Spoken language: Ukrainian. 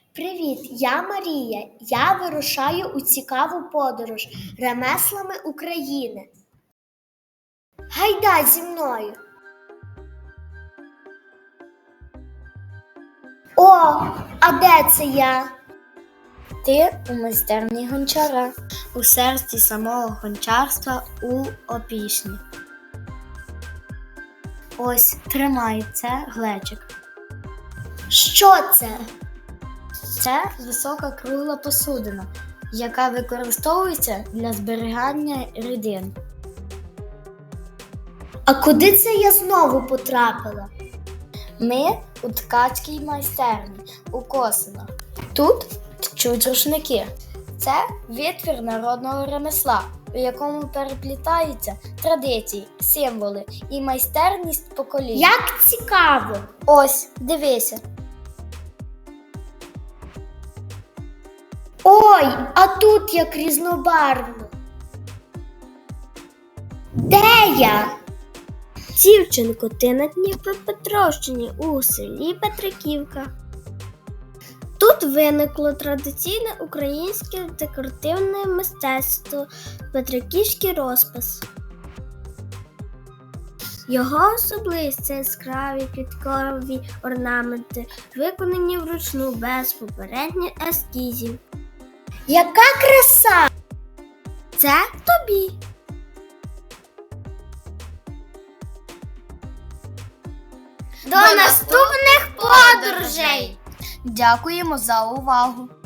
Привіт, я Марія. Я вирушаю у цікаву подорож ремеслами України. Гайда зі мною. О, а де це я? Ти у майстерні гончара, у серці самого гончарства у Опішні. Ось, тримай, це глечик. Що це? Це висока кругла посудина, яка використовується для зберігання рідин. А куди це я знову потрапила? Ми у ткацькій майстерні у Косинах. Тут тчуть рушники. Це витвір народного ремесла, у якому переплітаються традиції, символи і майстерність поколінь. Як цікаво! Ось, дивися. Ой, а тут як різнобарвно. Де я? Дівчинко, ти на Дніпропетровщині у селі Петриківка. Тут виникло традиційне українське декоративне мистецтво – петриківський розпис. Його особливість – це яскраві квіткові орнаменти, виконані вручну без попередніх ескізів. Яка краса! Це тобі! До наступних подорожей! Дякуємо за увагу!